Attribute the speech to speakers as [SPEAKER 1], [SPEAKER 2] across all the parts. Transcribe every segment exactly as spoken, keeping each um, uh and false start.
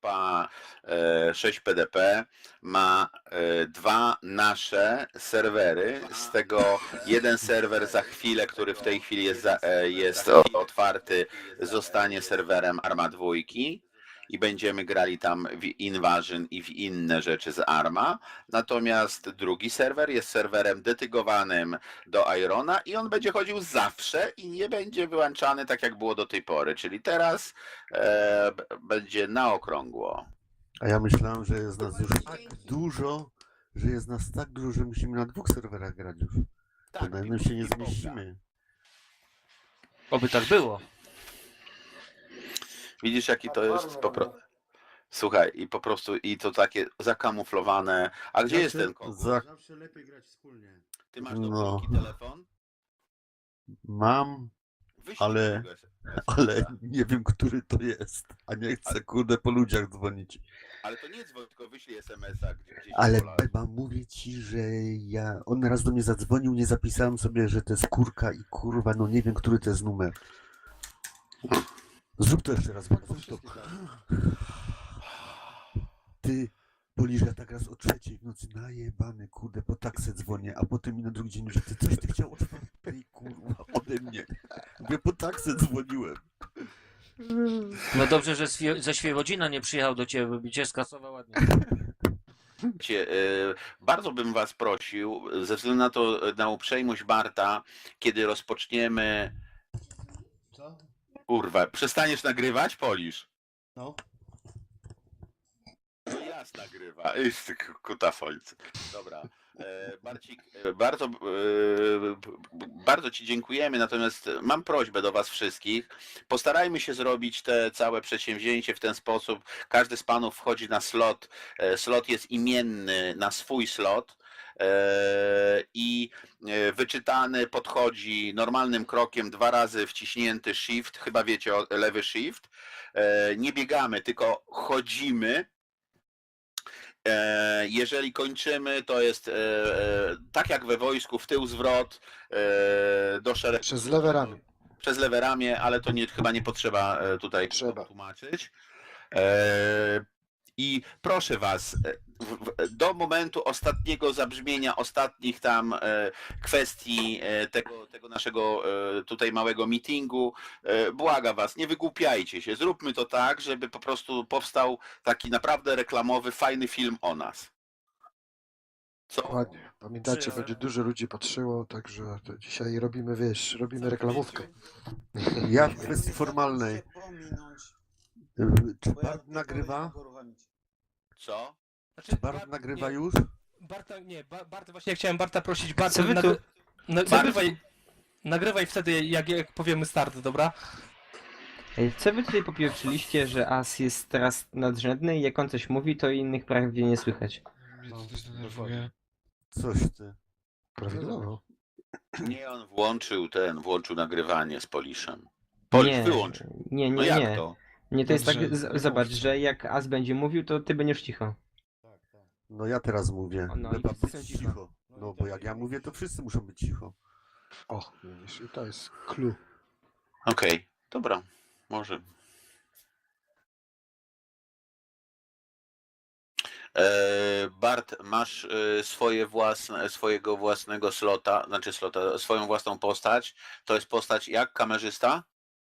[SPEAKER 1] grupa e, sześć P D P ma e, dwa nasze serwery, z tego jeden serwer za chwilę, który w tej chwili jest, za, e, jest otwarty, zostanie serwerem Arma dwa i będziemy grali tam w Invasion i w inne rzeczy z Arma. Natomiast drugi serwer jest serwerem dedykowanym do Irona i on będzie chodził zawsze i nie będzie wyłączany tak jak było do tej pory, czyli teraz e, będzie na okrągło.
[SPEAKER 2] A ja myślałem, że jest nas już tak dużo, że jest nas tak dużo, że musimy na dwóch serwerach grać już.
[SPEAKER 1] Tak,
[SPEAKER 2] to na jednym się nie zmieścimy.
[SPEAKER 3] Oby tak było.
[SPEAKER 1] Widzisz, jaki to jest po prostu. Słuchaj, i po prostu i to takie zakamuflowane. A gdzie jest ten kogut?
[SPEAKER 2] Za...
[SPEAKER 4] Zawsze lepiej grać wspólnie.
[SPEAKER 1] Ty masz do
[SPEAKER 2] No.
[SPEAKER 1] no. telefon?
[SPEAKER 2] Mam,
[SPEAKER 1] Wyślij
[SPEAKER 2] ale,
[SPEAKER 1] tego es em es a.
[SPEAKER 2] ale nie wiem, który to jest. A nie chcę, kurde, po ludziach dzwonić.
[SPEAKER 1] Ale to nie dzwoń, tylko wyślij es em es a gdzieś.
[SPEAKER 2] Ale
[SPEAKER 1] Pola.
[SPEAKER 2] Beba, mówię ci, że ja... On raz do mnie zadzwonił, nie zapisałem sobie, że to jest kurka i kurwa, no nie wiem, który to jest numer. Zrób to jeszcze raz, Beba, zrób to. Ty, Polisz, ja tak raz o trzeciej w nocy najebany, kurde, po taksę dzwonię, a potem mi na drugi dzień, że ty coś ty chciał od tej kurwa ode mnie. Mówię, po taksę dzwoniłem.
[SPEAKER 3] No dobrze, że Swie- ze Świebodzina nie przyjechał do ciebie, by cię skasował ładnie.
[SPEAKER 1] Cię, y, bardzo bym was prosił, ze względu na to, na uprzejmość Barta, kiedy rozpoczniemy...
[SPEAKER 4] Co?
[SPEAKER 1] Kurwa, przestaniesz nagrywać, Polisz?
[SPEAKER 4] No.
[SPEAKER 1] No jas nagrywa. Iż ty kutafolcy. Dobra. E, Barcik, e, bardzo, e, bardzo ci dziękujemy, natomiast mam prośbę do was wszystkich. Postarajmy się zrobić te całe przedsięwzięcie w ten sposób. Każdy z panów wchodzi na slot. E, slot jest imienny na swój slot. I wyczytany podchodzi normalnym krokiem, dwa razy wciśnięty shift, chyba wiecie, lewy shift. Nie biegamy, tylko chodzimy. Jeżeli kończymy, to jest tak jak we wojsku, w tył zwrot do szeregu.
[SPEAKER 5] Przez lewe ramię.
[SPEAKER 1] Przez lewe ramię, ale to nie, chyba nie potrzeba tutaj
[SPEAKER 5] Trzeba.
[SPEAKER 1] tłumaczyć. I proszę was, do momentu ostatniego zabrzmienia, ostatnich tam kwestii tego, tego naszego tutaj małego meetingu, błagam was, nie wygłupiajcie się, zróbmy to tak, żeby po prostu powstał taki naprawdę reklamowy, fajny film o nas. Co?
[SPEAKER 5] Dokładnie. Pamiętajcie,
[SPEAKER 3] Czy-
[SPEAKER 5] będzie dużo ludzi patrzyło, także to dzisiaj robimy, wiesz, robimy reklamówkę.
[SPEAKER 2] Ja w kwestii formalnej. Czy Bart nagrywa?
[SPEAKER 1] Co?
[SPEAKER 2] Czy Bart nagrywa już?
[SPEAKER 6] Barta, nie, ba, Barta, właśnie ja chciałem Barta prosić, Barta,
[SPEAKER 3] Co wy tu-
[SPEAKER 6] nagry, na,
[SPEAKER 1] Barta-
[SPEAKER 6] nagrywaj, nagrywaj wtedy, jak, jak powiemy start, dobra?
[SPEAKER 7] Ej, co wy tutaj popieprzyliście, że As jest teraz nadrzędny i jak on coś mówi, to innych prawie nie słychać?
[SPEAKER 2] Coś ty.
[SPEAKER 5] Prawidłowo.
[SPEAKER 1] Nie, on włączył ten, włączył nagrywanie z Poliszem. Polisz
[SPEAKER 7] Nie,
[SPEAKER 1] wyłączył.
[SPEAKER 7] nie,
[SPEAKER 1] No
[SPEAKER 7] nie,
[SPEAKER 1] jak
[SPEAKER 7] nie.
[SPEAKER 1] to?
[SPEAKER 7] Nie, to jest
[SPEAKER 5] Dobrze,
[SPEAKER 7] tak, z-
[SPEAKER 5] nie
[SPEAKER 7] zobacz,
[SPEAKER 5] mówcie.
[SPEAKER 7] że jak As będzie mówił, to ty będziesz cicho.
[SPEAKER 4] Tak, tak.
[SPEAKER 2] No ja teraz mówię.
[SPEAKER 7] No i
[SPEAKER 2] Beba,
[SPEAKER 7] wszyscy
[SPEAKER 2] być
[SPEAKER 7] są cicho.
[SPEAKER 2] cicho. No bo jak ja mówię, to wszyscy muszą być cicho.
[SPEAKER 5] O, widzisz, i to jest clue.
[SPEAKER 1] Okej, dobra, może. E, Bart, masz e, swoje własne, swojego własnego slota, znaczy slota, swoją własną postać. To jest postać jak kamerzysta?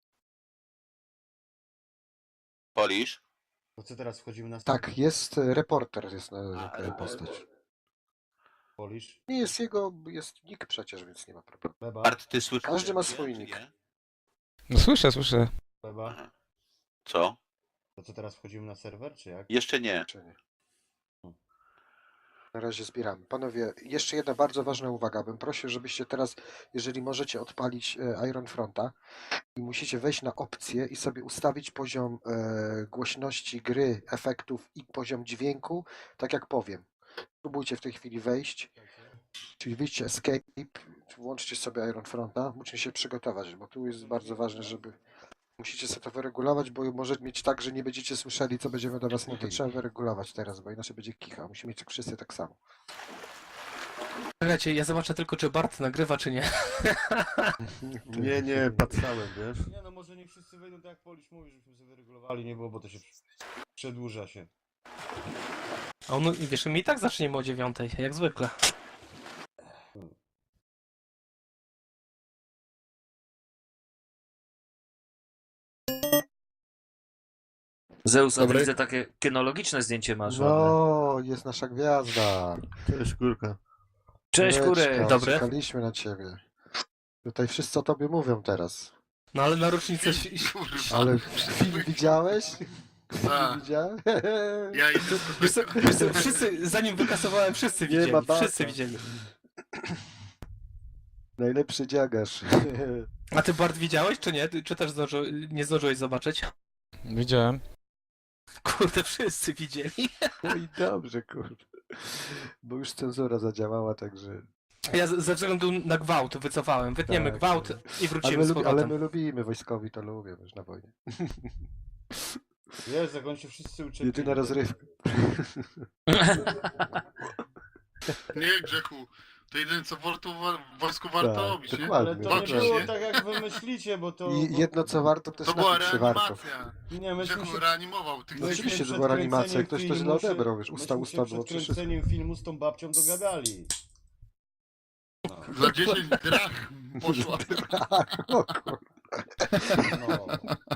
[SPEAKER 1] Polisz?
[SPEAKER 4] To co teraz wchodzimy na
[SPEAKER 5] Tak, jest e, reporter, jest na
[SPEAKER 1] A,
[SPEAKER 5] na
[SPEAKER 1] e,
[SPEAKER 5] postać.
[SPEAKER 4] Polisz?
[SPEAKER 5] Nie jest jego, jest nick przecież, więc nie ma problemu.
[SPEAKER 4] Beba?
[SPEAKER 1] Bart, ty słyszysz?
[SPEAKER 5] Każdy ma
[SPEAKER 1] mnie,
[SPEAKER 5] swój
[SPEAKER 1] czy
[SPEAKER 5] nick.
[SPEAKER 1] nie?
[SPEAKER 8] No słyszę, słyszę.
[SPEAKER 4] Beba?
[SPEAKER 1] Co?
[SPEAKER 4] To co teraz wchodzimy na serwer, czy jak?
[SPEAKER 1] Jeszcze nie.
[SPEAKER 5] Czy nie? Na razie zbieramy. Panowie, jeszcze jedna bardzo ważna uwaga. Bym prosił, żebyście teraz, jeżeli możecie, odpalić e, Iron Fronta i musicie wejść na opcje i sobie ustawić poziom e, głośności gry, efektów i poziom dźwięku, tak jak powiem. Spróbujcie w tej chwili wejść, czyli wyjście Escape, włączcie sobie Iron Fronta, musicie się przygotować, bo tu jest bardzo ważne, żeby musicie sobie to wyregulować, bo może mieć tak, że nie będziecie słyszeli, co będziemy do was mówić. Trzeba wyregulować teraz, bo inaczej będzie kicha. Musimy mieć wszyscy tak samo.
[SPEAKER 6] Czekajcie, ja zobaczę tylko, czy Bart nagrywa, czy nie.
[SPEAKER 2] Nie, nie, patrzałem, wiesz?
[SPEAKER 4] Nie no, może nie wszyscy wejdą tak jak Polisz mówi, żebyśmy sobie wyregulowali, nie było, bo to się przedłuża się.
[SPEAKER 6] A on, wiesz, my i tak zaczniemy o dziewiątej, jak zwykle.
[SPEAKER 3] Zeus, a
[SPEAKER 5] Dobry.
[SPEAKER 3] widzę takie kinologiczne zdjęcie masz. ładne.
[SPEAKER 5] No, jest nasza gwiazda.
[SPEAKER 2] Cześć, kurka.
[SPEAKER 3] Cześć,
[SPEAKER 5] Kureczka,
[SPEAKER 3] kury.
[SPEAKER 6] Dobry.
[SPEAKER 5] Czekaliśmy na ciebie. Tutaj wszyscy o tobie mówią teraz.
[SPEAKER 6] No ale na rocznicę...
[SPEAKER 5] Ale film widziałeś? Film
[SPEAKER 9] A.
[SPEAKER 5] widziałeś?
[SPEAKER 9] Ja i
[SPEAKER 6] Wiesz co, wiesz co, wszyscy, zanim wykasowałem, wszyscy
[SPEAKER 5] Nie
[SPEAKER 6] widzieli,
[SPEAKER 5] ma bata.
[SPEAKER 6] wszyscy widzieli.
[SPEAKER 5] Najlepszy dziagarz.
[SPEAKER 6] A ty Bart widziałeś, czy nie? Ty- Czy też zdąży, nie zdążyłeś zobaczyć?
[SPEAKER 8] Widziałem.
[SPEAKER 6] Kurde, wszyscy widzieli.
[SPEAKER 5] No i dobrze, kurde. Bo już cenzura zadziałała, także...
[SPEAKER 6] Ja z- ze względu na gwałt wycofałem. Wytniemy
[SPEAKER 5] Tak,
[SPEAKER 6] gwałt
[SPEAKER 5] tak.
[SPEAKER 6] i
[SPEAKER 5] Ale
[SPEAKER 6] wrócimy
[SPEAKER 5] my,
[SPEAKER 6] z
[SPEAKER 5] lubi, ale
[SPEAKER 6] powrotem.
[SPEAKER 5] my lubimy, wojskowi to lubią już na wojnie.
[SPEAKER 4] Wiesz, jak oni się wszyscy uczą.
[SPEAKER 5] Jedyna rozrywka.
[SPEAKER 9] nie grzechu. To jedyne co warto, w wojsku warto
[SPEAKER 5] Tak,
[SPEAKER 9] robić, nie?
[SPEAKER 5] dokładnie.
[SPEAKER 4] Ale to nie
[SPEAKER 9] Walczyć,
[SPEAKER 4] było
[SPEAKER 9] nie?
[SPEAKER 4] tak jak wy myślicie, bo to...
[SPEAKER 5] I
[SPEAKER 4] bo...
[SPEAKER 5] jedno co warto, to
[SPEAKER 9] To
[SPEAKER 5] jest
[SPEAKER 9] była
[SPEAKER 5] napić się warto.
[SPEAKER 9] reanimacja.
[SPEAKER 4] Nie, myśmy
[SPEAKER 9] Grzechu
[SPEAKER 4] się...
[SPEAKER 9] reanimował tych
[SPEAKER 5] No
[SPEAKER 9] ludzi.
[SPEAKER 5] oczywiście, że
[SPEAKER 4] przed
[SPEAKER 5] była reanimacja,
[SPEAKER 4] kręceniem
[SPEAKER 5] ktoś to źle
[SPEAKER 4] filmu się-
[SPEAKER 5] odebrał, wiesz, usta,
[SPEAKER 4] myśmy
[SPEAKER 5] usta
[SPEAKER 4] się
[SPEAKER 5] było
[SPEAKER 4] przed
[SPEAKER 5] przecież.
[SPEAKER 4] kręceniem filmu z tą babcią dogadali.
[SPEAKER 9] Za dziesięć drach poszła.
[SPEAKER 5] O kur-
[SPEAKER 4] No.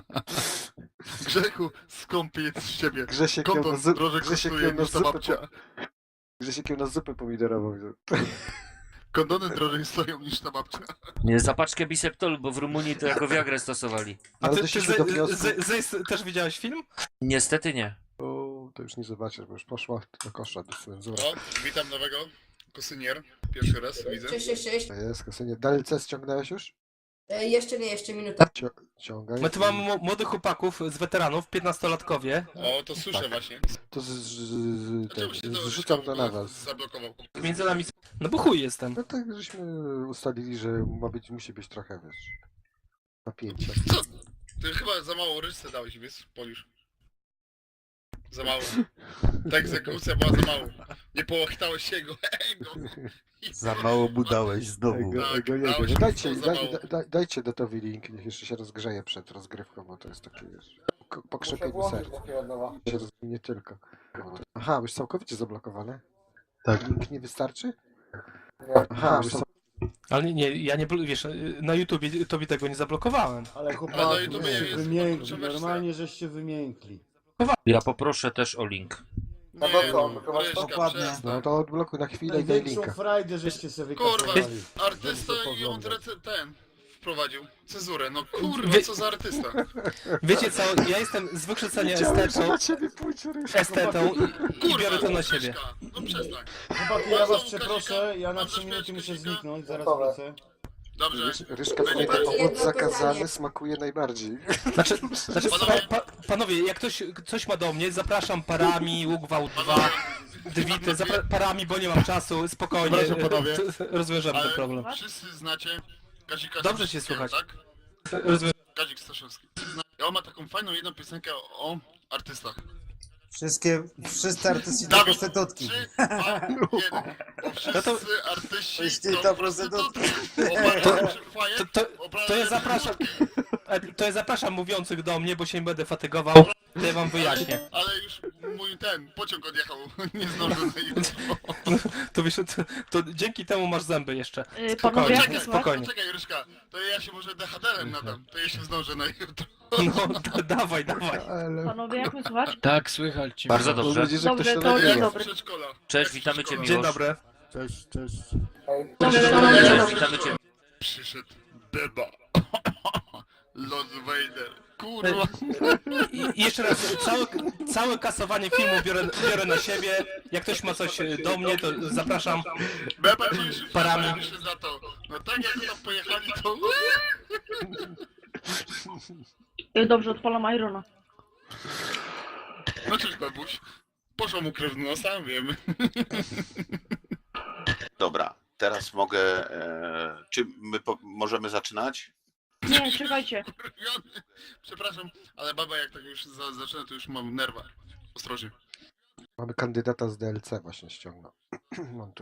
[SPEAKER 9] Grzechu, skąpy jest z ciebie.
[SPEAKER 5] Grzesiek ją na,
[SPEAKER 9] Kondon
[SPEAKER 5] zu...
[SPEAKER 9] drożej
[SPEAKER 5] Grzesiek
[SPEAKER 9] kosztuje
[SPEAKER 5] ją na
[SPEAKER 9] niż ta
[SPEAKER 5] zupę,
[SPEAKER 9] babcia.
[SPEAKER 5] po... Grzesiek ją na zupę pomidorową wziął.
[SPEAKER 9] Kondony drożej stoją niż ta babcia.
[SPEAKER 3] Nie, za paczkę biseptolu, bo w Rumunii to jako Viagrę stosowali.
[SPEAKER 6] A
[SPEAKER 5] Ale
[SPEAKER 6] ty, ty
[SPEAKER 5] doszliśmy
[SPEAKER 6] ze,
[SPEAKER 5] do wniosku...
[SPEAKER 6] ze, Zejs, też widziałeś film?
[SPEAKER 3] Niestety nie.
[SPEAKER 5] O, to już nie zobaczysz, bo już poszła do kosza do cenzura.
[SPEAKER 9] O, witam nowego kosynier. Pierwszy raz widzę.
[SPEAKER 10] Cześć, cześć, cześć.
[SPEAKER 5] To jest, kasynie. D L C ściągnąłeś już?
[SPEAKER 10] E, jeszcze nie, jeszcze minuta.
[SPEAKER 5] Cio... Ciągaj.
[SPEAKER 6] My tu mamy mo- młodych chłopaków z weteranów, piętnastolatkowie.
[SPEAKER 9] O, to słyszę właśnie.
[SPEAKER 5] To z, z, z,
[SPEAKER 9] Czemu
[SPEAKER 5] ten,
[SPEAKER 9] się to
[SPEAKER 5] zrzucam to na was.
[SPEAKER 9] zablokował?
[SPEAKER 6] Między nami... No bo chuj jestem.
[SPEAKER 5] No tak, żeśmy ustalili, że ma być, musi być trochę, wiesz, napięcia.
[SPEAKER 9] Co? Ty chyba za mało ryczce dałeś, wiesz, Polisz. Za mało. Ta egzekucja była za mało. Nie połachtałeś jego ego.
[SPEAKER 2] Za mało mu dałeś znowu.
[SPEAKER 5] Ego,
[SPEAKER 9] Tak,
[SPEAKER 5] ego, jego.
[SPEAKER 9] dałeś
[SPEAKER 5] No
[SPEAKER 9] mi
[SPEAKER 5] dajcie,
[SPEAKER 9] za
[SPEAKER 5] daj,
[SPEAKER 9] mało.
[SPEAKER 5] daj, dajcie dotowi link, niech jeszcze się rozgrzeje przed rozgrywką, bo to jest takie, wiesz, ko- pokrzepienie serca. Się roz- Nie tylko. Aha, już całkowicie zablokowane?
[SPEAKER 2] Tak.
[SPEAKER 5] Link nie wystarczy? Aha, już cał...
[SPEAKER 6] Ale nie, nie, ja nie, bl- wiesz, na YouTubie tobie tego nie zablokowałem.
[SPEAKER 4] Ale
[SPEAKER 9] Ale
[SPEAKER 4] chłopaki,
[SPEAKER 9] no i to
[SPEAKER 4] żeście
[SPEAKER 9] jest
[SPEAKER 4] wymiękli,
[SPEAKER 9] kontrowersja.
[SPEAKER 4] normalnie żeście wymiękli.
[SPEAKER 3] Ja poproszę też o link.
[SPEAKER 9] Nie, no, Ryszka,
[SPEAKER 2] Dokładnie.
[SPEAKER 9] przestań.
[SPEAKER 5] No to odblokuj na chwilę i daj
[SPEAKER 4] Największą
[SPEAKER 5] linka.
[SPEAKER 4] frajdę żeście sobie
[SPEAKER 9] Kurwa,
[SPEAKER 4] wykazali.
[SPEAKER 9] artysta
[SPEAKER 4] Żeby to
[SPEAKER 9] i on
[SPEAKER 4] poglądać.
[SPEAKER 9] rece- ten wprowadził cenzurę. No kurwa,
[SPEAKER 6] Wie-
[SPEAKER 9] co za artysta.
[SPEAKER 6] Wiecie co, ja jestem z wykształcenia
[SPEAKER 5] Wiedziałem, że
[SPEAKER 6] estetą,
[SPEAKER 5] na ciebie pójdzie Ryszka.
[SPEAKER 6] estetą i, i
[SPEAKER 9] Kurwa,
[SPEAKER 6] biorę to na siebie.
[SPEAKER 9] Ryszka, no przestań.
[SPEAKER 4] Chłopaki, ja was
[SPEAKER 9] Bardzo
[SPEAKER 4] przeproszę, ja na
[SPEAKER 9] Bardzo
[SPEAKER 4] trzy minuty
[SPEAKER 9] śmiesznie,
[SPEAKER 4] muszę
[SPEAKER 9] Kazika.
[SPEAKER 4] zniknąć, zaraz wrócę.
[SPEAKER 9] Dobrze.
[SPEAKER 5] Rysz- Ryszka, pamiętaj, owoc zakazany smakuje najbardziej.
[SPEAKER 6] Znaczy, znaczy
[SPEAKER 9] Panowie-
[SPEAKER 6] pa, pa, panowie, jak ktoś coś ma do mnie, zapraszam parami, łuk wał dwa, dwity, zapra- parami, bo nie mam czasu, spokojnie,
[SPEAKER 9] Proszę, panowie.
[SPEAKER 6] rozwiążemy ten
[SPEAKER 9] Ale
[SPEAKER 6] problem.
[SPEAKER 9] wszyscy znacie Kazika
[SPEAKER 6] Dobrze cię
[SPEAKER 9] Staszewskiego,
[SPEAKER 6] słychać.
[SPEAKER 9] tak?
[SPEAKER 6] Rozwią-
[SPEAKER 9] Kazik Staszewski. I on ma taką fajną jedną piosenkę o artystach.
[SPEAKER 11] Wszystkie, wszyscy artyści to
[SPEAKER 9] Dawid,
[SPEAKER 11] prostytutki.
[SPEAKER 9] trzy, dwa, jeden. Bo wszyscy
[SPEAKER 6] No to-
[SPEAKER 9] artyści
[SPEAKER 11] Wszyscy
[SPEAKER 9] to
[SPEAKER 11] to
[SPEAKER 9] prostytutki.
[SPEAKER 11] prostytutki.
[SPEAKER 9] Opadają przy fajek,
[SPEAKER 6] To, to, to
[SPEAKER 9] opadają
[SPEAKER 6] ja
[SPEAKER 9] przy
[SPEAKER 6] zapraszam,
[SPEAKER 9] wódki.
[SPEAKER 6] e, to ja zapraszam mówiących do mnie, bo się nie będę fatygował, to ja wam wyjaśnię.
[SPEAKER 9] Ale, ale już mój ten pociąg odjechał, nie zdążył na jutro.
[SPEAKER 6] To, wiesz, to, to dzięki temu masz zęby jeszcze.
[SPEAKER 10] E,
[SPEAKER 6] Spokojnie,
[SPEAKER 9] Czekaj,
[SPEAKER 6] spokojnie.
[SPEAKER 9] Poczekaj, Ryszka, to ja się może D H D-em nadam, to ja się zdążę na jutro.
[SPEAKER 6] No, da, dawaj, dawaj.
[SPEAKER 5] Ale...
[SPEAKER 10] Panowie, jak mnie słuchasz?
[SPEAKER 8] Tak, słychać cię.
[SPEAKER 3] Bardzo
[SPEAKER 5] Mam
[SPEAKER 3] dobrze.
[SPEAKER 5] nadzieję, że ktoś
[SPEAKER 10] Dobrze,
[SPEAKER 5] to
[SPEAKER 10] to
[SPEAKER 5] nagrywa.
[SPEAKER 10] dzień
[SPEAKER 9] Jak
[SPEAKER 10] dobry.
[SPEAKER 9] z przedszkola.
[SPEAKER 3] Cześć,
[SPEAKER 9] Jak z
[SPEAKER 3] witamy cię,
[SPEAKER 9] przedszkola.
[SPEAKER 6] Dzień
[SPEAKER 3] Miłosz.
[SPEAKER 6] dobry.
[SPEAKER 2] Cześć, cześć.
[SPEAKER 3] Cześć, witamy cię.
[SPEAKER 9] Przyszedł Beba. Lord Vader. Kurwa.
[SPEAKER 6] I, i jeszcze raz, całe, całe kasowanie filmu biorę, biorę na siebie. Jak ktoś ma coś do mnie, to zapraszam.
[SPEAKER 9] Beba to już
[SPEAKER 6] Parami.
[SPEAKER 9] parami się za to. No tak jak tam pojechali to...
[SPEAKER 10] Dobrze, odpalam Irona.
[SPEAKER 9] No cześć Bebuś. Poszła mu krew w nosa, wiemy.
[SPEAKER 1] Dobra, teraz mogę. E, czy my po, możemy zaczynać?
[SPEAKER 10] Nie, czekajcie.
[SPEAKER 9] Kurwiony. Przepraszam, ale baba jak tak już za, zaczyna, to już mam nerwa. Ostrożnie.
[SPEAKER 5] Mamy kandydata z D L C właśnie ściągnął. Montuję.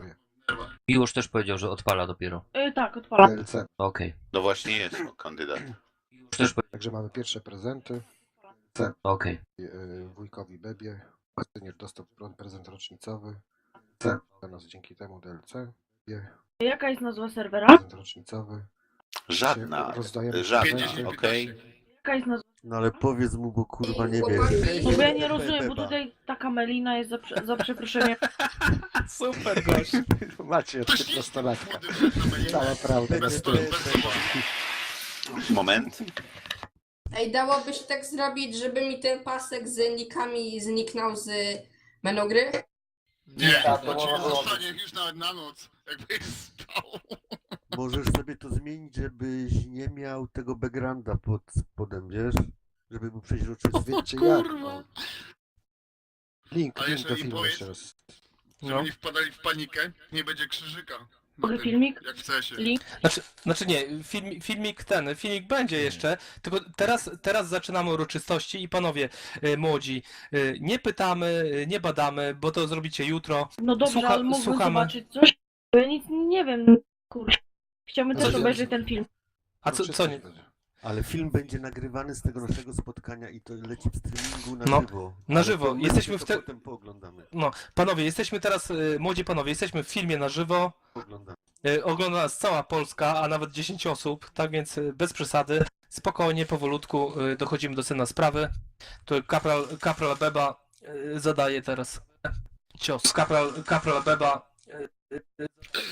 [SPEAKER 3] Miłosz też powiedział, że odpala dopiero.
[SPEAKER 10] Y, tak, odpalam.
[SPEAKER 5] D L C.
[SPEAKER 3] Okej.
[SPEAKER 1] No właśnie jest no, kandydat.
[SPEAKER 3] Miłosz też powiedział.
[SPEAKER 5] Także mamy pierwsze prezenty.
[SPEAKER 3] Okej.
[SPEAKER 5] Yy, wujkowi Bebie. Senior dostał prezent rocznicowy. C. Dla nas dzięki temu D L C. Bie.
[SPEAKER 10] Jaka jest nazwa serwera?
[SPEAKER 5] Prezent rocznicowy.
[SPEAKER 1] Żadna.
[SPEAKER 5] Rozdajemy
[SPEAKER 1] Żadna,
[SPEAKER 5] prezenty.
[SPEAKER 1] okej?
[SPEAKER 10] Jaka jest nazwa?
[SPEAKER 2] No ale powiedz mu, bo kurwa nie wie.
[SPEAKER 10] No bo ja nie rozumiem, bo tutaj taka melina jest za, prze- za przeproszeniem.
[SPEAKER 6] Super gość.
[SPEAKER 5] Macie trzynastolatkę. Cała prawda.
[SPEAKER 9] Bez,
[SPEAKER 5] niestety.
[SPEAKER 9] bez powodu.
[SPEAKER 1] Moment.
[SPEAKER 10] Ej, dałobyś tak zrobić, żeby mi ten pasek z nikami zniknął z menu gry?
[SPEAKER 9] Nie,
[SPEAKER 11] Tak,
[SPEAKER 9] to
[SPEAKER 11] to
[SPEAKER 9] ci
[SPEAKER 11] można
[SPEAKER 9] zostanie już nawet na noc, jakbyś spał.
[SPEAKER 2] Możesz sobie to zmienić, żebyś nie miał tego backgrounda pod spodem, wiesz? Żeby był przeźroczysty.
[SPEAKER 5] Wiecie jak?
[SPEAKER 9] Kurwa.
[SPEAKER 5] no. Link,
[SPEAKER 9] A
[SPEAKER 5] link
[SPEAKER 9] jeszcze
[SPEAKER 5] do
[SPEAKER 9] im
[SPEAKER 5] filmu
[SPEAKER 9] powiedz-
[SPEAKER 5] jeszcze raz.
[SPEAKER 9] Żeby
[SPEAKER 6] No.
[SPEAKER 9] nie wpadali w panikę, nie będzie krzyżyka. Na
[SPEAKER 10] Mogę
[SPEAKER 9] tym,
[SPEAKER 10] filmik?
[SPEAKER 9] Jak w cesie.
[SPEAKER 10] Link?
[SPEAKER 6] Znaczy, znaczy nie, film, filmik ten, filmik będzie jeszcze, tylko teraz, teraz zaczynamy uroczystości i panowie y, młodzi, y, nie pytamy, y, nie badamy, bo to zrobicie jutro.
[SPEAKER 10] No dobrze,
[SPEAKER 6] Słucha-
[SPEAKER 10] ale mógłbym
[SPEAKER 6] słuchamy.
[SPEAKER 10] zobaczyć coś? Bo ja nic nie wiem, kurczę. Chciałbym
[SPEAKER 5] Co
[SPEAKER 10] też
[SPEAKER 5] ty-
[SPEAKER 10] obejrzeć ten film.
[SPEAKER 6] A co, co nie?
[SPEAKER 2] Ale film będzie nagrywany z tego naszego spotkania i to leci w streamingu na
[SPEAKER 6] No,
[SPEAKER 2] żywo.
[SPEAKER 6] na
[SPEAKER 2] Ale
[SPEAKER 6] żywo.
[SPEAKER 2] to my
[SPEAKER 6] Jesteśmy
[SPEAKER 2] sobie
[SPEAKER 6] w
[SPEAKER 2] to
[SPEAKER 6] te-
[SPEAKER 2] potem pooglądamy.
[SPEAKER 6] No, panowie, jesteśmy teraz, y, młodzi panowie, jesteśmy w filmie na żywo.
[SPEAKER 2] Pooglądamy.
[SPEAKER 6] Y, Ogląda nas cała Polska, a nawet dziesięć osób, tak więc y, bez przesady, spokojnie, powolutku y, dochodzimy do sedna sprawy. Tu kapral, kapral Beba y, zadaje teraz cios. Kapral, kapral Beba. y, y, y,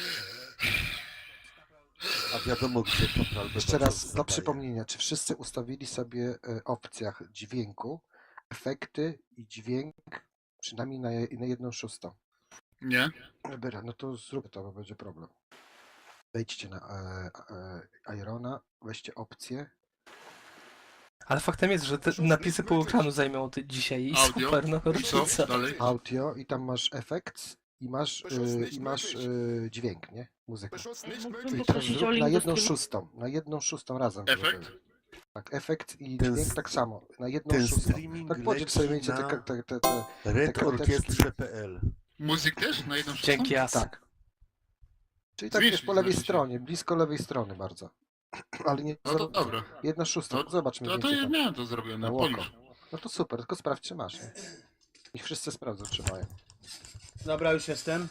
[SPEAKER 2] A wiadomo, gdzie to
[SPEAKER 5] Jeszcze raz dla przypomnienia, czy wszyscy ustawili sobie e, w opcjach dźwięku efekty i dźwięk przynajmniej na, je- na jedną szóstą?
[SPEAKER 9] Nie?
[SPEAKER 5] Dobra, no to zrób to, bo będzie problem. Wejdźcie na e, e, Irona, weźcie opcje.
[SPEAKER 6] Ale faktem jest, że te napisy pół ekranu zajmą ty dzisiaj i
[SPEAKER 9] Audio?
[SPEAKER 6] super, no
[SPEAKER 9] I co?
[SPEAKER 6] rocznica.
[SPEAKER 9] Dalej?
[SPEAKER 5] Audio i tam masz efekt i masz, e, i masz e, dźwięk, nie? Muzykę.
[SPEAKER 10] Mógłbym
[SPEAKER 5] I teraz
[SPEAKER 10] poprosić o
[SPEAKER 5] zrób na
[SPEAKER 10] link do
[SPEAKER 5] jedną
[SPEAKER 10] streamu?
[SPEAKER 5] szóstą, na jedną szóstą razem.
[SPEAKER 9] Efekt?
[SPEAKER 5] żeby- Tak, efekt i
[SPEAKER 2] Ten
[SPEAKER 5] dźwięk
[SPEAKER 2] s-
[SPEAKER 5] tak samo, na jedną
[SPEAKER 2] Ten
[SPEAKER 5] szóstą.
[SPEAKER 2] streaming
[SPEAKER 5] Tak podziel sobie
[SPEAKER 2] leci
[SPEAKER 5] między te,
[SPEAKER 2] na
[SPEAKER 5] te, te, te,
[SPEAKER 2] red
[SPEAKER 5] te karteczki.
[SPEAKER 2] orkiestrze kropka p l.
[SPEAKER 9] Muzyk też? Na jedną szóstą?
[SPEAKER 6] Dzięki As.
[SPEAKER 5] Tak. Czyli tak
[SPEAKER 9] Zwiększyć
[SPEAKER 5] jest po lewej
[SPEAKER 9] znaczy się.
[SPEAKER 5] stronie, blisko lewej strony bardzo. Ale nie.
[SPEAKER 9] No to dobra.
[SPEAKER 5] Jedna szósta,
[SPEAKER 9] No-
[SPEAKER 5] zobaczmy.
[SPEAKER 9] No to ja miałem to zrobione,
[SPEAKER 5] Na oko.
[SPEAKER 9] polisz.
[SPEAKER 5] No to super, tylko sprawdź czy masz. Nie? Niech wszyscy sprawdzą czy mają.
[SPEAKER 4] Dobra, już jestem.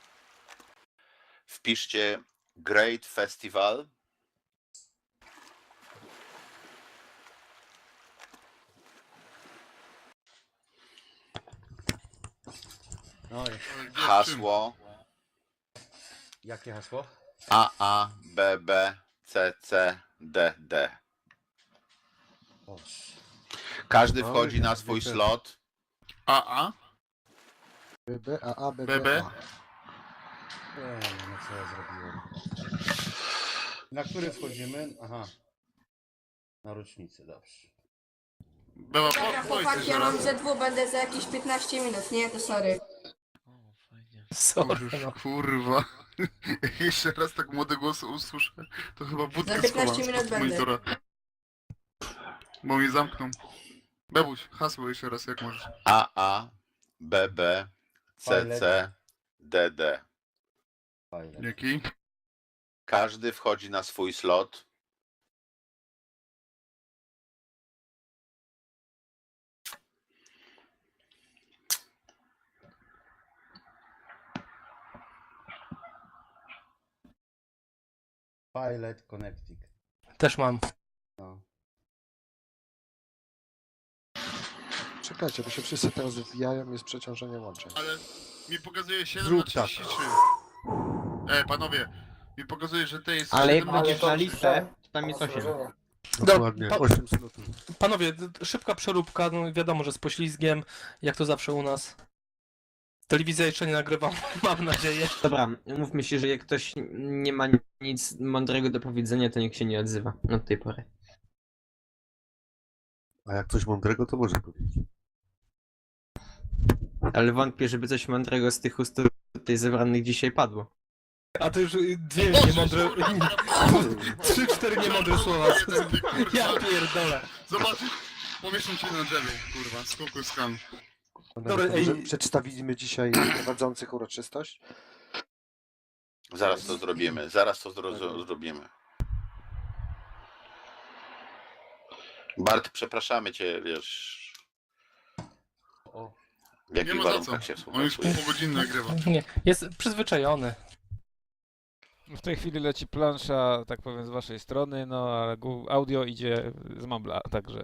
[SPEAKER 1] Wpiszcie Great Festival.
[SPEAKER 4] No i
[SPEAKER 9] Ale gdzie, w czym?
[SPEAKER 1] Hasło
[SPEAKER 4] jakie hasło?
[SPEAKER 1] A A B B C C D D.
[SPEAKER 4] O,
[SPEAKER 1] Każdy
[SPEAKER 2] Oj,
[SPEAKER 1] wchodzi na
[SPEAKER 2] jak
[SPEAKER 1] swój
[SPEAKER 2] zwykle.
[SPEAKER 1] slot.
[SPEAKER 9] A A?
[SPEAKER 5] B B, A A, B
[SPEAKER 9] B
[SPEAKER 5] B,
[SPEAKER 9] B?
[SPEAKER 5] A.
[SPEAKER 4] nie, no co ja zrobiłem. Na który wchodzimy? Aha. Na rocznicę, dobrze.
[SPEAKER 9] Była
[SPEAKER 10] Dobra,
[SPEAKER 9] po, powiedz
[SPEAKER 10] chłopaki,
[SPEAKER 9] jeszcze
[SPEAKER 10] ja mam
[SPEAKER 9] raz.
[SPEAKER 10] ze dwu, będę za jakieś piętnaście minut, nie? To sorry.
[SPEAKER 6] Sorry,
[SPEAKER 9] Już,
[SPEAKER 6] no.
[SPEAKER 9] kurwa. Jak jeszcze raz tak młode głosy usłyszę, to chyba budkę
[SPEAKER 10] Za piętnaście
[SPEAKER 9] schowam
[SPEAKER 10] minut
[SPEAKER 9] spod
[SPEAKER 10] będę.
[SPEAKER 9] monitora. Bo mnie zamkną. Bebuś, hasło jeszcze raz jak możesz.
[SPEAKER 1] A A B B C C D D.
[SPEAKER 4] Fajne.
[SPEAKER 9] Dzięki.
[SPEAKER 1] Każdy wchodzi na swój slot.
[SPEAKER 4] Pilot Connecting.
[SPEAKER 6] Też mam.
[SPEAKER 4] No.
[SPEAKER 5] Czekajcie, bo się wszyscy teraz wbijają, jest przeciążenie łączeń.
[SPEAKER 9] Ale mi pokazuje siedem
[SPEAKER 2] Zrób
[SPEAKER 9] na
[SPEAKER 2] tak.
[SPEAKER 9] trzydzieści trzy. E, panowie, mi pokazuje, że to jest
[SPEAKER 7] Ale jak
[SPEAKER 9] siedem na
[SPEAKER 7] będziesz na
[SPEAKER 9] trzydzieści trzy.
[SPEAKER 7] listę, to tam jest osiem.
[SPEAKER 2] Dokładnie,
[SPEAKER 6] pa-
[SPEAKER 2] osiem slotów.
[SPEAKER 6] Panowie, d- d- szybka przeróbka, no wiadomo, że z poślizgiem, jak to zawsze u nas. Telewizja jeszcze nie nagrywam, mam nadzieję.
[SPEAKER 7] Dobra, mówmy się, że jak ktoś nie ma nic mądrego do powiedzenia, to niech się nie odzywa od tej pory.
[SPEAKER 2] A jak coś mądrego, to może powiedzieć.
[SPEAKER 7] Ale wątpię, żeby coś mądrego z tych ust tutaj zebranych dzisiaj padło.
[SPEAKER 6] A to już y, dwie niemądre, trzy, cztery niemądre słowa. Ja pierdolę.
[SPEAKER 9] Zobaczysz, pomieszczą cię na drzewie, kurwa, skoku skan.
[SPEAKER 6] Dobra, ej.
[SPEAKER 5] Przedstawimy dzisiaj prowadzących uroczystość.
[SPEAKER 1] Zaraz to zrobimy, zaraz to zro zrobimy. Bart, przepraszamy cię, wiesz...
[SPEAKER 4] O.
[SPEAKER 1] W jakich
[SPEAKER 9] Nie ma za
[SPEAKER 1] warunkach
[SPEAKER 9] co.
[SPEAKER 1] się
[SPEAKER 9] On już
[SPEAKER 1] współpracuje?
[SPEAKER 9] pół godziny nagrywa.
[SPEAKER 6] Nie, jest przyzwyczajony.
[SPEAKER 8] W tej chwili leci plansza, tak powiem, z waszej strony, no a gu- audio idzie z Mambla, także...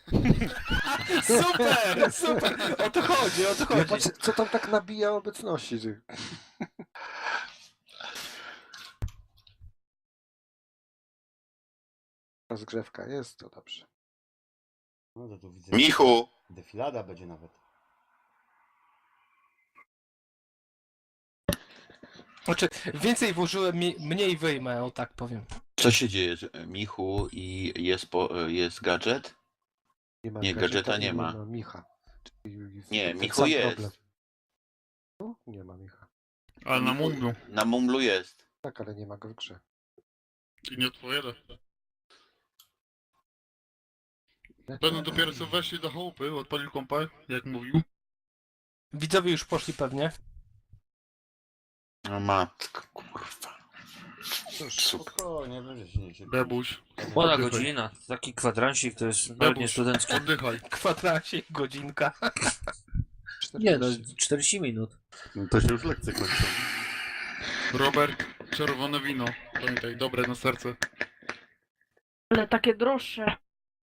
[SPEAKER 6] Super, super, o to chodzi, o to
[SPEAKER 5] Ja
[SPEAKER 6] chodzi.
[SPEAKER 5] patrzę, co tam tak nabija obecności, ty. Rozgrzewka jest, to dobrze.
[SPEAKER 4] No to tu widzę.
[SPEAKER 1] Michu!
[SPEAKER 4] Defilada będzie nawet.
[SPEAKER 6] Znaczy, więcej włożyłem, mi- mniej wyjmę, o tak powiem.
[SPEAKER 1] Co się dzieje, Michu, i jest, po, jest gadżet?
[SPEAKER 5] ma
[SPEAKER 1] Nie, gadżeta nie ma.
[SPEAKER 5] Micha. Czyli
[SPEAKER 1] Nie,
[SPEAKER 5] ten
[SPEAKER 1] Michu
[SPEAKER 5] sam
[SPEAKER 1] jest.
[SPEAKER 5] problem. No, nie ma Micha.
[SPEAKER 9] Ale na Munglu.
[SPEAKER 1] Na Mumlu jest.
[SPEAKER 5] Tak, ale nie ma go w grze.
[SPEAKER 9] I nie odpowiada. Będą dopiero co weszli do chałupy, odpalił kompa, jak mówił.
[SPEAKER 6] Widzowie już poszli pewnie.
[SPEAKER 1] No matko, kurwa.
[SPEAKER 4] Cóż,
[SPEAKER 1] Super.
[SPEAKER 4] spokojnie, będzie się nie się.
[SPEAKER 9] Bebuś.
[SPEAKER 3] Młoda
[SPEAKER 9] Oddychaj.
[SPEAKER 3] godzina, taki kwadransik to jest nawet nie
[SPEAKER 9] Bebuś,
[SPEAKER 3] studencki.
[SPEAKER 9] oddychaj.
[SPEAKER 6] Kwadransik, godzinka.
[SPEAKER 3] Nie no,
[SPEAKER 5] czterdzieści.
[SPEAKER 3] czterdzieści minut.
[SPEAKER 2] No to się już lekcje kończą.
[SPEAKER 9] Robert, czerwone wino. Pamiętaj, dobre na serce.
[SPEAKER 10] Ale takie droższe.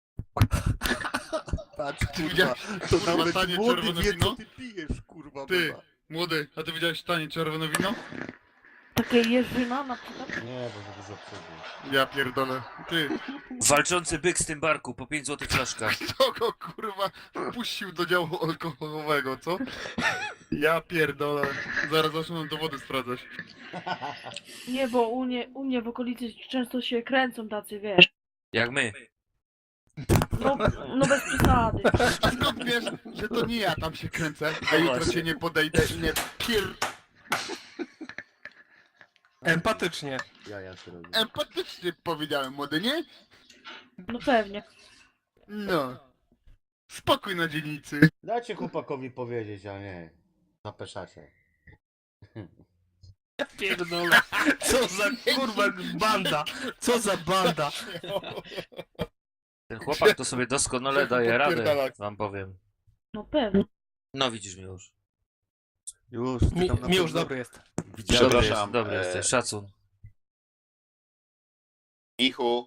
[SPEAKER 2] Patrz, kurwa,
[SPEAKER 9] widziałeś,
[SPEAKER 2] to
[SPEAKER 9] kurwa,
[SPEAKER 2] nawet
[SPEAKER 9] tanie
[SPEAKER 2] młody
[SPEAKER 9] czerwone
[SPEAKER 2] wie,
[SPEAKER 9] wino?
[SPEAKER 2] co ty pijesz, kurwa.
[SPEAKER 9] Ty.
[SPEAKER 2] beba.
[SPEAKER 9] Młody, a ty widziałeś tanie czerwone wino?
[SPEAKER 10] Takie jeżyna na przykład.
[SPEAKER 4] Nie, bo za dużo przodu.
[SPEAKER 9] Ja pierdolę. Ty,
[SPEAKER 3] Walczący byk z tym barku, po pięć złotych flaszka.
[SPEAKER 9] kto go kurwa wpuścił do działu alkoholowego, co? Ja pierdolę. Zaraz zaczną dowody sprawdzać.
[SPEAKER 10] Nie, bo u, nie, u mnie w okolicy często się kręcą tacy, wiesz.
[SPEAKER 3] Jak my.
[SPEAKER 10] No, no bez przesady.
[SPEAKER 9] A skąd wiesz, że to nie ja tam się kręcę, a jutro cię nie podejdę i nie pier...
[SPEAKER 6] Empatycznie.
[SPEAKER 4] Ja, ja się robię.
[SPEAKER 9] Empatycznie powiedziałem, młody, nie?
[SPEAKER 10] No pewnie.
[SPEAKER 9] No. Spokój na dzielnicy.
[SPEAKER 4] Dajcie chłopakowi powiedzieć, a nie. Zapeszacie.
[SPEAKER 6] Ja pierdolę. Co za kurwa banda, co za banda.
[SPEAKER 3] Ten chłopak to sobie doskonale daje radę,
[SPEAKER 9] Podpierdalać.
[SPEAKER 3] wam powiem.
[SPEAKER 10] No pewnie.
[SPEAKER 3] No widzisz mi już.
[SPEAKER 2] Już, ty
[SPEAKER 6] Mi,
[SPEAKER 2] tam na
[SPEAKER 6] mi już
[SPEAKER 2] pewno
[SPEAKER 6] dobry jest.
[SPEAKER 2] widziałem.
[SPEAKER 3] Dobry
[SPEAKER 1] Przepraszam,
[SPEAKER 3] jest, dobry
[SPEAKER 1] e,
[SPEAKER 3] jesteś, szacun.
[SPEAKER 1] Michu,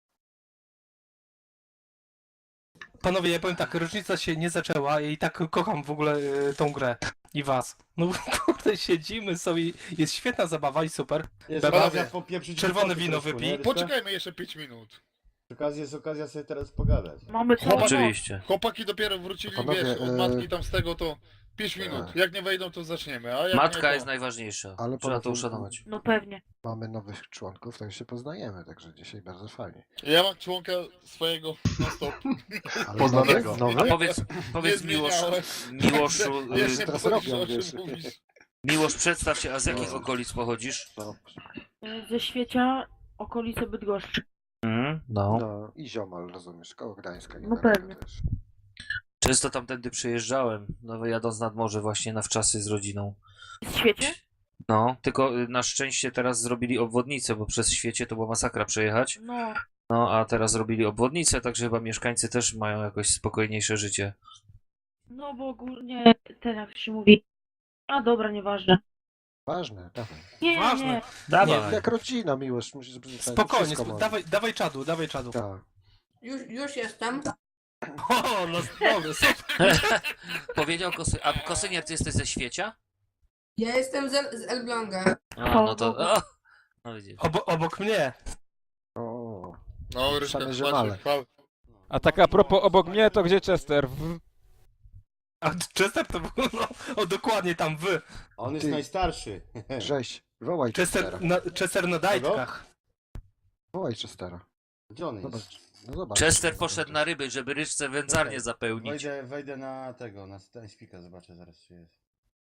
[SPEAKER 6] Panowie, ja powiem tak, rocznica się nie zaczęła i tak kocham w ogóle y, tą grę i was. No kurde, siedzimy sobie, jest świetna zabawa i super.
[SPEAKER 4] Jest
[SPEAKER 6] Beba,
[SPEAKER 4] okazja popieprzyć
[SPEAKER 6] czerwone
[SPEAKER 4] chłopaki
[SPEAKER 6] wino
[SPEAKER 4] troszkę,
[SPEAKER 6] wypij.
[SPEAKER 4] nie, Rybka?
[SPEAKER 9] Poczekajmy jeszcze pięć minut.
[SPEAKER 4] Przy okazji jest okazja sobie teraz pogadać.
[SPEAKER 10] Mamy co?
[SPEAKER 9] Chłopak-
[SPEAKER 3] Oczywiście.
[SPEAKER 9] Chłopaki dopiero wrócili,
[SPEAKER 5] Panowie,
[SPEAKER 9] wiesz, od
[SPEAKER 5] e,
[SPEAKER 9] matki tam z tego to pięć minut. Jak nie wejdą, to zaczniemy, a jak
[SPEAKER 3] Matka
[SPEAKER 9] nie, to...
[SPEAKER 3] jest najważniejsza.
[SPEAKER 5] Ale
[SPEAKER 3] Trzeba to
[SPEAKER 5] poza tym-
[SPEAKER 3] uszanować.
[SPEAKER 10] No pewnie.
[SPEAKER 5] Mamy nowych członków, to już się poznajemy, także dzisiaj bardzo fajnie.
[SPEAKER 9] Ja mam członka swojego na stop.
[SPEAKER 5] Ale
[SPEAKER 2] Poznanego.
[SPEAKER 5] nowy-
[SPEAKER 3] A
[SPEAKER 5] nowy?
[SPEAKER 3] powiedz, powiedz
[SPEAKER 9] Nie
[SPEAKER 3] Miłosz,
[SPEAKER 9] zmieniałem.
[SPEAKER 3] Miłoszu,
[SPEAKER 9] Wiesz,
[SPEAKER 3] y,
[SPEAKER 9] nie
[SPEAKER 5] teraz
[SPEAKER 9] powiesz,
[SPEAKER 5] robią,
[SPEAKER 9] o czym
[SPEAKER 5] wiesz.
[SPEAKER 9] mówisz.
[SPEAKER 3] Miłosz, przedstaw się, a z jakich
[SPEAKER 5] No.
[SPEAKER 3] okolic pochodzisz?
[SPEAKER 5] No,
[SPEAKER 10] Ze Świecia, okolice Bydgoszczy.
[SPEAKER 3] Mhm, no.
[SPEAKER 5] no i ziomal, rozumiesz, koło Gdańska.
[SPEAKER 10] No
[SPEAKER 5] niedaleko
[SPEAKER 10] pewnie.
[SPEAKER 5] też.
[SPEAKER 3] Często tamtędy przejeżdżałem, no jadąc nad morze właśnie na wczasy z rodziną.
[SPEAKER 10] W Świecie?
[SPEAKER 3] No, tylko y, na szczęście teraz zrobili obwodnicę, bo przez świecie to była masakra przejechać.
[SPEAKER 10] No.
[SPEAKER 3] No, a teraz zrobili obwodnicę, także chyba mieszkańcy też mają jakoś spokojniejsze życie.
[SPEAKER 10] No bo ogólnie, ten jak to się mówi. A dobra, nieważne.
[SPEAKER 5] Ważne, dawaj.
[SPEAKER 10] Nie,
[SPEAKER 6] Ważne.
[SPEAKER 10] nie.
[SPEAKER 3] Dawaj.
[SPEAKER 5] Jak rodzina, miłość, musisz być
[SPEAKER 6] Spokojnie,
[SPEAKER 5] wszystko
[SPEAKER 6] sp-
[SPEAKER 5] może.
[SPEAKER 6] dawaj, dawaj czadu, dawaj czadu.
[SPEAKER 5] Tak.
[SPEAKER 10] Już, już jestem.
[SPEAKER 6] O, no dobra, super.
[SPEAKER 3] Powiedział Kosy... A Kosynier, ty jesteś ze świecia?
[SPEAKER 10] Ja jestem z, El- z Elbląga.
[SPEAKER 3] A, no to... O! No widzisz.
[SPEAKER 6] Obo, obok mnie.
[SPEAKER 5] O,
[SPEAKER 9] No, Ryszka,
[SPEAKER 5] Same
[SPEAKER 9] patrz,
[SPEAKER 5] ziomale.
[SPEAKER 9] chwal.
[SPEAKER 8] A tak a propos obok mnie, to gdzie Chester? W...
[SPEAKER 6] A Chester to był, no, o dokładnie tam wy.
[SPEAKER 4] On jest
[SPEAKER 5] Ty.
[SPEAKER 4] najstarszy.
[SPEAKER 5] Rzeź, wołaj Chestera.
[SPEAKER 6] Chester na, Chester na dajtkach.
[SPEAKER 5] Wołaj Chestera.
[SPEAKER 4] Gdzie on jest?
[SPEAKER 5] Zobacz, no zobacz.
[SPEAKER 3] Chester poszedł na ryby, żeby ryczce wędzarnię zapełnić.
[SPEAKER 4] Wejdę, wejdę na tego, na Stańspika, zobaczę zaraz czy jest.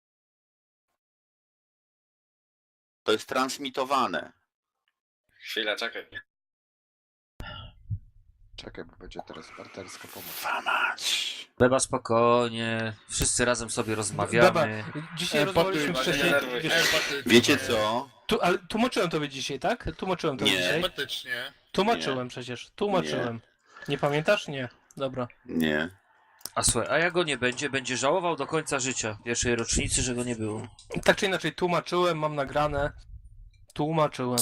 [SPEAKER 1] to jest transmitowane.
[SPEAKER 12] Chwila, czekaj.
[SPEAKER 5] Czekaj, bo będzie teraz partnerska pomoc.
[SPEAKER 1] Famać.
[SPEAKER 3] Beba spokojnie, wszyscy razem sobie rozmawiamy.
[SPEAKER 6] Dobra, dzisiaj
[SPEAKER 9] Empaty,
[SPEAKER 6] rozmawialiśmy
[SPEAKER 9] nie
[SPEAKER 6] wcześniej.
[SPEAKER 9] nerwuj się.
[SPEAKER 6] Wiesz,
[SPEAKER 9] Empaty.
[SPEAKER 1] Wiecie co?
[SPEAKER 6] tu, ale tłumaczyłem tobie dzisiaj, tak? Tłumaczyłem tobie
[SPEAKER 1] Nie.
[SPEAKER 6] dzisiaj.
[SPEAKER 9] Empatycznie.
[SPEAKER 6] Tłumaczyłem przecież, tłumaczyłem. Nie pamiętasz? Nie. Dobra.
[SPEAKER 1] Nie.
[SPEAKER 3] A słuchaj, a jak go nie będzie, będzie żałował do końca życia pierwszej rocznicy, że go nie było.
[SPEAKER 6] Tak czy inaczej, tłumaczyłem, mam nagrane. Tłumaczyłem.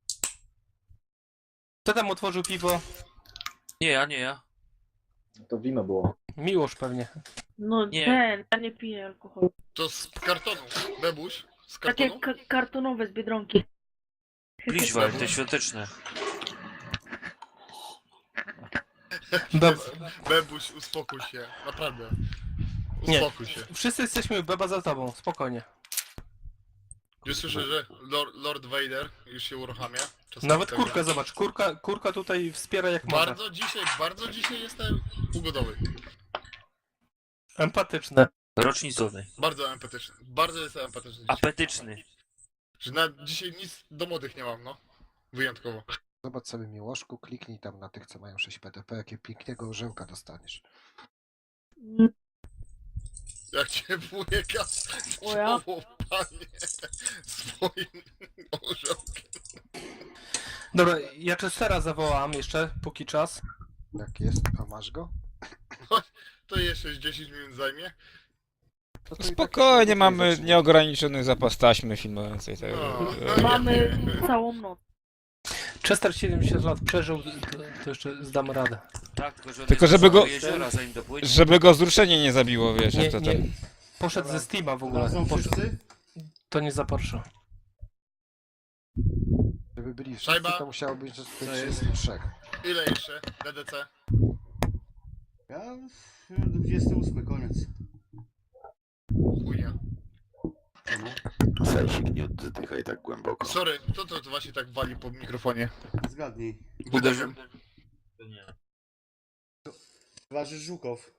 [SPEAKER 6] Kto tam otworzył piwo?
[SPEAKER 3] Nie ja, nie ja.
[SPEAKER 4] To wino było.
[SPEAKER 6] Miłosz pewnie.
[SPEAKER 10] No
[SPEAKER 3] Nie.
[SPEAKER 10] ten, ja nie piję alkoholu.
[SPEAKER 9] To z kartonu. Bebuś? Z
[SPEAKER 10] Takie
[SPEAKER 9] kartonu?
[SPEAKER 10] ka- kartonowe z Biedronki.
[SPEAKER 3] Pliżwa, te świąteczne.
[SPEAKER 6] Dobra.
[SPEAKER 9] Bebuś, uspokój się. Naprawdę.
[SPEAKER 6] Nie.
[SPEAKER 9] Uspokój się.
[SPEAKER 6] Wszyscy jesteśmy beba za tobą, spokojnie.
[SPEAKER 9] Już słyszę, że Lord, Lord Vader już się uruchamia. Czasami
[SPEAKER 6] Nawet
[SPEAKER 9] tak
[SPEAKER 6] kurka,
[SPEAKER 9] jest.
[SPEAKER 6] zobacz, kurka, kurka tutaj wspiera jak może.
[SPEAKER 9] Bardzo dzisiaj, bardzo dzisiaj jestem ugodowy.
[SPEAKER 6] Empatyczne.
[SPEAKER 3] Rocznicowy.
[SPEAKER 9] Bardzo empatyczny. Bardzo jestem empatyczny dzisiaj.
[SPEAKER 3] Apetyczny.
[SPEAKER 9] Że na dzisiaj nic do młodych nie mam, no. Wyjątkowo.
[SPEAKER 5] Zobacz sobie Miłoszku, kliknij tam na tych, co mają sześć P D P, jakie pięknego orzełka dostaniesz.
[SPEAKER 9] Jak cię wujeka
[SPEAKER 10] O ja?
[SPEAKER 9] zwołał, panie, swoim orzełkiem.
[SPEAKER 6] Dobra, ja Chestera zawołam jeszcze, póki czas.
[SPEAKER 5] Jak jest, a masz go?
[SPEAKER 9] To jeszcze dziesięć minut zajmie.
[SPEAKER 5] No to i tak
[SPEAKER 8] Spokojnie,
[SPEAKER 5] jeszcze
[SPEAKER 8] mamy
[SPEAKER 5] zacznie.
[SPEAKER 8] nieograniczony zapas taśmy filmującej tego.
[SPEAKER 9] No.
[SPEAKER 10] Mamy całą noc.
[SPEAKER 6] Chester siedemdziesiąt lat przeżył, to, to jeszcze zdam radę.
[SPEAKER 3] Tak, tylko, że on
[SPEAKER 8] Tylko
[SPEAKER 3] jest
[SPEAKER 8] żeby
[SPEAKER 3] do
[SPEAKER 8] go-
[SPEAKER 3] jeziora, zanim dopłynie.
[SPEAKER 8] Żeby go wzruszenie nie zabiło, wiesz,
[SPEAKER 6] Nie,
[SPEAKER 8] jak to
[SPEAKER 6] nie,
[SPEAKER 8] ten...
[SPEAKER 6] poszedł
[SPEAKER 4] Dobra.
[SPEAKER 6] ze Steama w ogóle.
[SPEAKER 4] Są
[SPEAKER 6] Poszedł,
[SPEAKER 4] wszyscy?
[SPEAKER 6] to nie za Porsche.
[SPEAKER 5] Żeby byli wszyscy,
[SPEAKER 9] Szajba?
[SPEAKER 5] to musiało być
[SPEAKER 4] jest?
[SPEAKER 5] trzydzieści trzy.
[SPEAKER 9] Ile jeszcze? D D C?
[SPEAKER 4] Ja dwudziesty ósmy, koniec.
[SPEAKER 9] Chujnia.
[SPEAKER 1] Sejsik, nie oddychaj tak głęboko.
[SPEAKER 9] Sorry, kto to, to właśnie tak wali po mikrofonie?
[SPEAKER 4] Zgadnij.
[SPEAKER 9] Uderzył.
[SPEAKER 4] Towarzysz Żukow.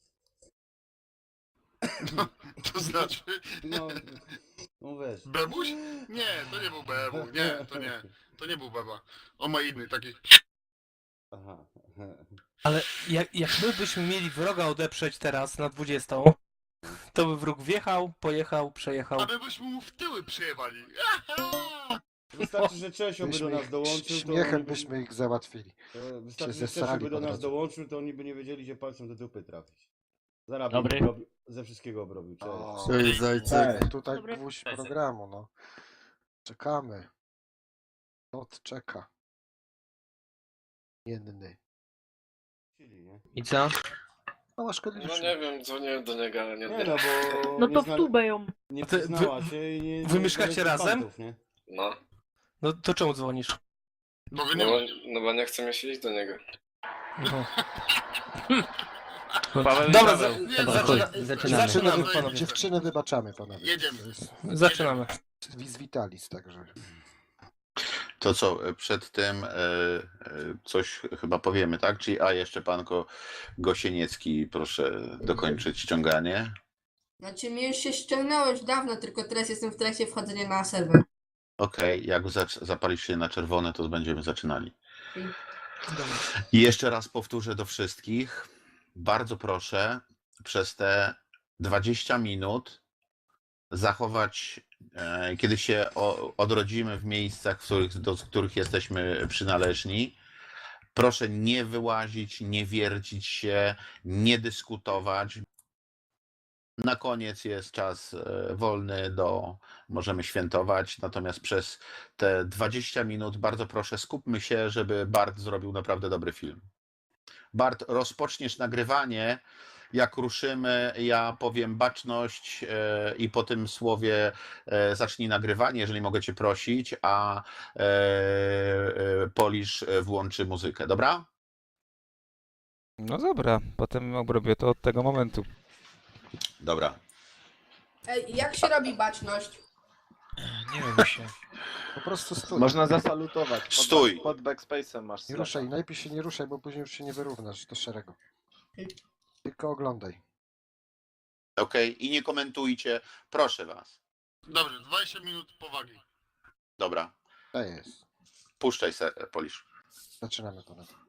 [SPEAKER 9] To znaczy...
[SPEAKER 4] No, no weź.
[SPEAKER 9] Bebuś? Nie, to nie był Bebu, nie, to nie. To nie był Beba. On ma inny, taki...
[SPEAKER 4] Aha.
[SPEAKER 6] Ale jak, jak my byśmy mieli wroga odeprzeć teraz na dwudziestą, to by wróg wjechał, pojechał, przejechał.
[SPEAKER 9] A my byśmy mu w tyły przyjechali.
[SPEAKER 4] Wystarczy, że Czesio by do
[SPEAKER 5] Byśmy
[SPEAKER 4] nas
[SPEAKER 5] ich,
[SPEAKER 4] dołączył, to
[SPEAKER 5] śmiechem
[SPEAKER 4] oni by,
[SPEAKER 5] byśmy ich załatwili.
[SPEAKER 4] to wystarczy,
[SPEAKER 5] się
[SPEAKER 4] że Czesio
[SPEAKER 5] zesrali
[SPEAKER 4] by do
[SPEAKER 5] po
[SPEAKER 4] nas
[SPEAKER 5] drodze.
[SPEAKER 4] dołączył, to oni by nie wiedzieli, że palcem do dupy trafić. Zarabił,
[SPEAKER 3] Dobry.
[SPEAKER 4] obrobił- ze wszystkiego obrobił. Cześć.
[SPEAKER 5] O,
[SPEAKER 2] Cześć, zajce.
[SPEAKER 5] tutaj
[SPEAKER 10] Dobry.
[SPEAKER 5] gwóźdź programu, no. Czekamy. Lot czeka. Jenny.
[SPEAKER 4] Nie?
[SPEAKER 7] I co?
[SPEAKER 5] Mała szkodliwa.
[SPEAKER 9] wiem, dzwoniłem do niego, ale
[SPEAKER 4] Nie no, bo
[SPEAKER 10] No
[SPEAKER 4] nie
[SPEAKER 10] to w
[SPEAKER 4] zna-
[SPEAKER 10] tubę ją.
[SPEAKER 4] nie
[SPEAKER 6] Ty-
[SPEAKER 4] przyznała
[SPEAKER 6] wy-
[SPEAKER 4] się i nie...
[SPEAKER 6] wy
[SPEAKER 4] nie
[SPEAKER 6] mieszkacie
[SPEAKER 4] znaleźli
[SPEAKER 6] razem?
[SPEAKER 4] fantów, nie?
[SPEAKER 9] No,
[SPEAKER 6] No to czemu dzwonisz?
[SPEAKER 9] bo wy nie...
[SPEAKER 12] no bo nie chcę mi się iść do niego.
[SPEAKER 6] No.
[SPEAKER 3] Paweł i
[SPEAKER 6] Dobra,
[SPEAKER 3] Paweł.
[SPEAKER 6] za,
[SPEAKER 7] Dobra,
[SPEAKER 6] zaczyna,
[SPEAKER 7] chuj, zaczynamy.
[SPEAKER 6] zaczynamy
[SPEAKER 9] Zaczynamy.
[SPEAKER 6] panowie.
[SPEAKER 5] Dziewczyny wybaczamy, panowie.
[SPEAKER 9] Jedziemy.
[SPEAKER 5] To jest
[SPEAKER 6] Zaczynamy.
[SPEAKER 5] Vis Vitalis, także.
[SPEAKER 1] To co, przed tym e, e, coś chyba powiemy, tak? Czyli, a jeszcze panko Gosieniecki, proszę dokończyć ściąganie.
[SPEAKER 10] Znaczy mi już się ściągnęło już dawno, tylko teraz jestem w trakcie wchodzenia na serwer.
[SPEAKER 1] Okej, jak zac- zapalisz się na czerwone, to będziemy zaczynali.
[SPEAKER 10] Dobra.
[SPEAKER 1] I jeszcze raz powtórzę do wszystkich. Bardzo proszę przez te dwadzieścia minut zachować, e, kiedy się o, odrodzimy w miejscach, w których, do których jesteśmy przynależni. Proszę nie wyłazić, nie wiercić się, nie dyskutować. Na koniec jest czas e, wolny do, możemy świętować, natomiast przez te dwadzieścia minut bardzo proszę skupmy się, żeby Bart zrobił naprawdę dobry film. Bart, rozpoczniesz nagrywanie, jak ruszymy, ja powiem baczność e, i po tym słowie e, zacznij nagrywanie, jeżeli mogę cię prosić, a e, e, Polisz włączy muzykę, dobra?
[SPEAKER 8] No dobra, potem obrobię to od tego momentu.
[SPEAKER 1] Dobra.
[SPEAKER 10] Ej, jak się robi baczność?
[SPEAKER 3] Nie wiem się.
[SPEAKER 5] Po prostu stój.
[SPEAKER 11] Można zasalutować. Pod,
[SPEAKER 1] Stój.
[SPEAKER 11] Pod backspace'em masz
[SPEAKER 5] Nie ruszaj, najpierw się nie ruszaj, bo później już się nie wyrównasz do szeregu. Tylko oglądaj.
[SPEAKER 1] Okej, i nie komentujcie, proszę was.
[SPEAKER 9] Dobrze, dwadzieścia minut powagi.
[SPEAKER 1] Dobra,
[SPEAKER 5] To jest.
[SPEAKER 1] puszczaj se, Polisz.
[SPEAKER 5] Zaczynamy ponad.